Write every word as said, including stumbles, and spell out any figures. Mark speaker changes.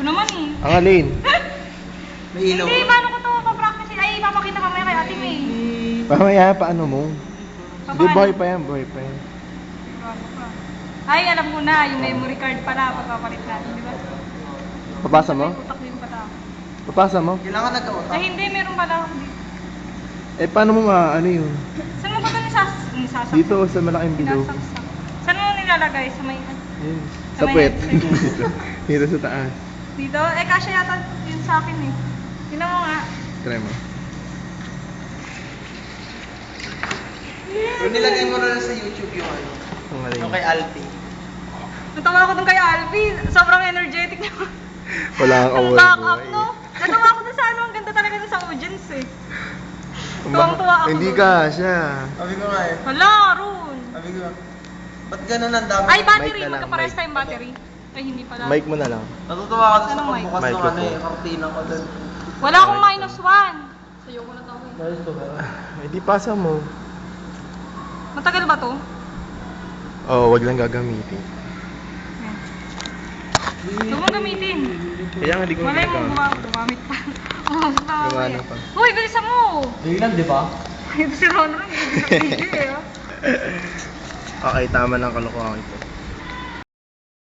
Speaker 1: Ito naman eh.
Speaker 2: Ang alin?
Speaker 3: May ilaw.
Speaker 1: Hindi, paano ko to papractice? Ay, ipapakita mamaya kay ate May.
Speaker 2: Mamaya, paano mo? Hindi,
Speaker 1: Paano?
Speaker 2: buhay pa yan, buhay pa yan.
Speaker 1: Bago pa. Ay, alam ko na, yung memory card pala, pagpapalit natin, di ba?
Speaker 2: Papasa mo?
Speaker 1: May utak din pala.
Speaker 2: Papasa mo?
Speaker 3: Kailangan nagka-utak.
Speaker 1: Ay, hindi, meron pala ako dito.
Speaker 2: Eh, paano mo ma, ano yun?
Speaker 1: Saan mo ba ito nisas nisasaksak?
Speaker 2: Dito, sa malaking bilog.
Speaker 1: Sinasaksak. Saan mo nilalagay? Sa may...
Speaker 2: Yun.
Speaker 1: Sa
Speaker 2: Sa
Speaker 1: may
Speaker 2: puwet.
Speaker 1: headset.
Speaker 2: Dito. Dito sa taas.
Speaker 1: Dito? Eh, kasya yata yun sa akin eh. Tingnan mo nga.
Speaker 2: Try mo.
Speaker 3: Yung nilagay mo na lang sa YouTube yung ano.
Speaker 2: Ang alin.
Speaker 3: Yung kay Alfie.
Speaker 1: Natawa ako dun kay Alfie. Sobrang energetic niya.
Speaker 2: Wala kang
Speaker 1: Ang
Speaker 2: award
Speaker 1: back up,
Speaker 2: boy.
Speaker 1: no? Natawa ako dun sa ano. Ang ganda talaga dun sa audience eh. Tuwang-tuwa ako
Speaker 2: Hindi
Speaker 1: dun.
Speaker 2: ka, siya.
Speaker 3: Sabi ko nga eh.
Speaker 1: Hala, Ron.
Speaker 3: Sabi ko, ba't ganun ang dami?
Speaker 1: Ay,
Speaker 2: Mic
Speaker 1: battery.
Speaker 2: na lang,
Speaker 1: Magkapares
Speaker 2: mic.
Speaker 1: tayong battery. Ay, hindi pala.
Speaker 2: Mic mo na lang.
Speaker 3: Natutuwa ako sa
Speaker 1: Anong mic?
Speaker 3: pagbukas
Speaker 2: Mic
Speaker 3: ng
Speaker 2: ko
Speaker 3: ano
Speaker 2: po.
Speaker 3: eh, kortina ko doon.
Speaker 1: Wala akong minus one. Sa'yo ko na tawin.
Speaker 3: Ayos to ba?
Speaker 2: Eh, di pasa mo.
Speaker 1: Matagal ba to?
Speaker 2: Oo, oh, wag lang gagamitin.
Speaker 1: Huwag mo gamitin.
Speaker 2: Kaya nga di ko
Speaker 1: Malay mo,
Speaker 2: ginagamit.
Speaker 1: gumamit, gumamit pa. Oh, pa.
Speaker 2: Gumana pa.
Speaker 1: Uy, bilisan mo!
Speaker 3: Biglang, di ba?
Speaker 1: Ito si Ron Ron, hindi na video eh. oh.
Speaker 2: Okay, tama ng kalokohan ito.